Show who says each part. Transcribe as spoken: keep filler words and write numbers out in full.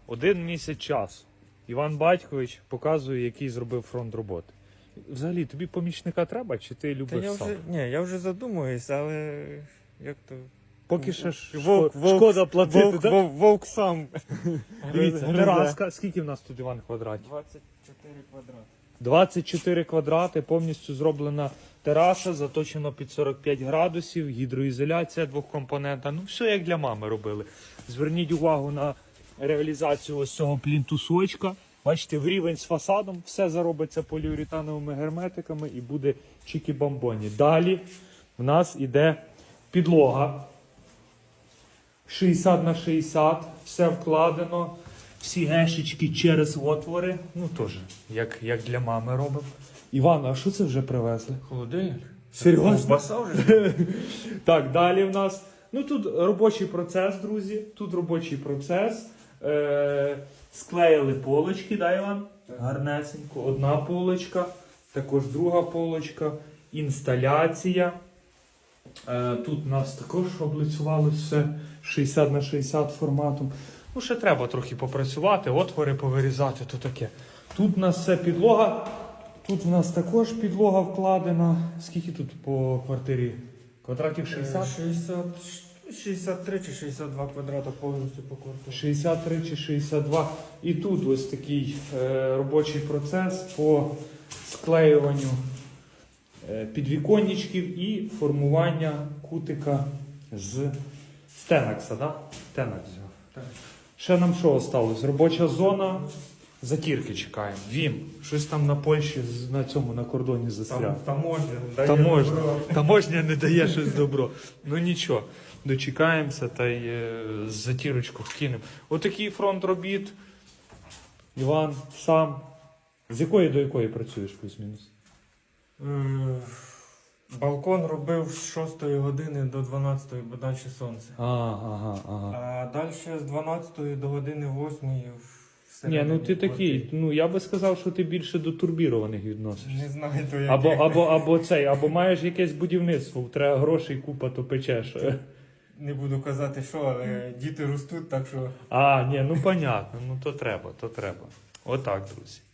Speaker 1: Один місяць часу. Іван Батькович показує, який зробив фронт роботи. Взагалі, тобі помічника треба, чи ти
Speaker 2: Та
Speaker 1: любиш
Speaker 2: я
Speaker 1: сам?
Speaker 2: вже, ні, я вже задумуюсь, але як то...
Speaker 1: Поки ще ж
Speaker 2: Вовк,
Speaker 1: шко-
Speaker 2: вовк,
Speaker 1: шкода платити,
Speaker 2: Вовк,
Speaker 1: так?
Speaker 2: вовк, вовк сам.
Speaker 1: Дивіться,
Speaker 2: Гризе.
Speaker 1: тераска. Скільки в нас тут, Іван, квадратів?
Speaker 2: двадцять чотири квадрати.
Speaker 1: двадцять чотири квадрати, повністю зроблена тераса, заточено під сорок п'ять градусів, гідроізоляція двохкомпонентна. Ну, все як для мами робили. Зверніть увагу на реалізацію ось цього плінтусочка. Бачите, в рівень з фасадом, все заробиться поліуретановими герметиками і буде чікі-бамбоні. Далі в нас іде підлога. шістдесят на шістдесят, все вкладено, всі гешечки через отвори. Ну теж, як, як для мами робимо. Іван, а що це вже привезли?
Speaker 2: Холодильник.
Speaker 1: Серйозно?
Speaker 2: Ковбаса вже?
Speaker 1: Так, далі в нас. Ну тут робочий процес, друзі. Тут робочий процес. Е- склеїли полочки, да, Іван? Гарнесенько. Одна полочка, також друга полочка, інсталяція. Е, Тут у нас також облицювалося все шістдесят на шістдесят форматом. Ну, ще треба трохи попрацювати, отвори повирізати, то таке. Тут у нас все підлога. Тут у нас також підлога вкладена. Скільки тут по квартирі? Квадратів шістдесят?
Speaker 2: шістдесят, шістдесят три чи шістдесят два квадрата повністю по квартирі.
Speaker 1: шістдесят три чи шістдесят два. І тут ось такий е, робочий процес по склеюванню е, підвіконничків і формування кутика з Тенакса, да? Тенакс.
Speaker 2: Так.
Speaker 1: Ще нам що осталось? Робоча зона. Затірки чекаємо. Вім. Щось там на Польщі з- на цьому на кордоні застряг.
Speaker 2: Там, таможня. дає
Speaker 1: Таможня.
Speaker 2: добро.
Speaker 1: Таможня не дає щось добро. Ну нічого, дочекаємося та й е, затірочку вкинемо. Отакий фронт робіт. Іван, сам. З якої до якої працюєш плюс-мінус?
Speaker 2: Е, Балкон робив з шостої години до дванадцятої, бо далі сонце.
Speaker 1: А, ага, ага.
Speaker 2: А далі з дванадцятої до години восьмої
Speaker 1: Ні, ну ти такий, ну я би сказав, що ти більше до турбірованих відносишся.
Speaker 2: Не знаю, то яке.
Speaker 1: Або, або, або цей, або маєш якесь будівництво, треба грошей купа, то печеш.
Speaker 2: Не буду казати, що, але діти ростуть, так що...
Speaker 1: А, ні, ну понятно, ну то треба, то треба. Отак, друзі.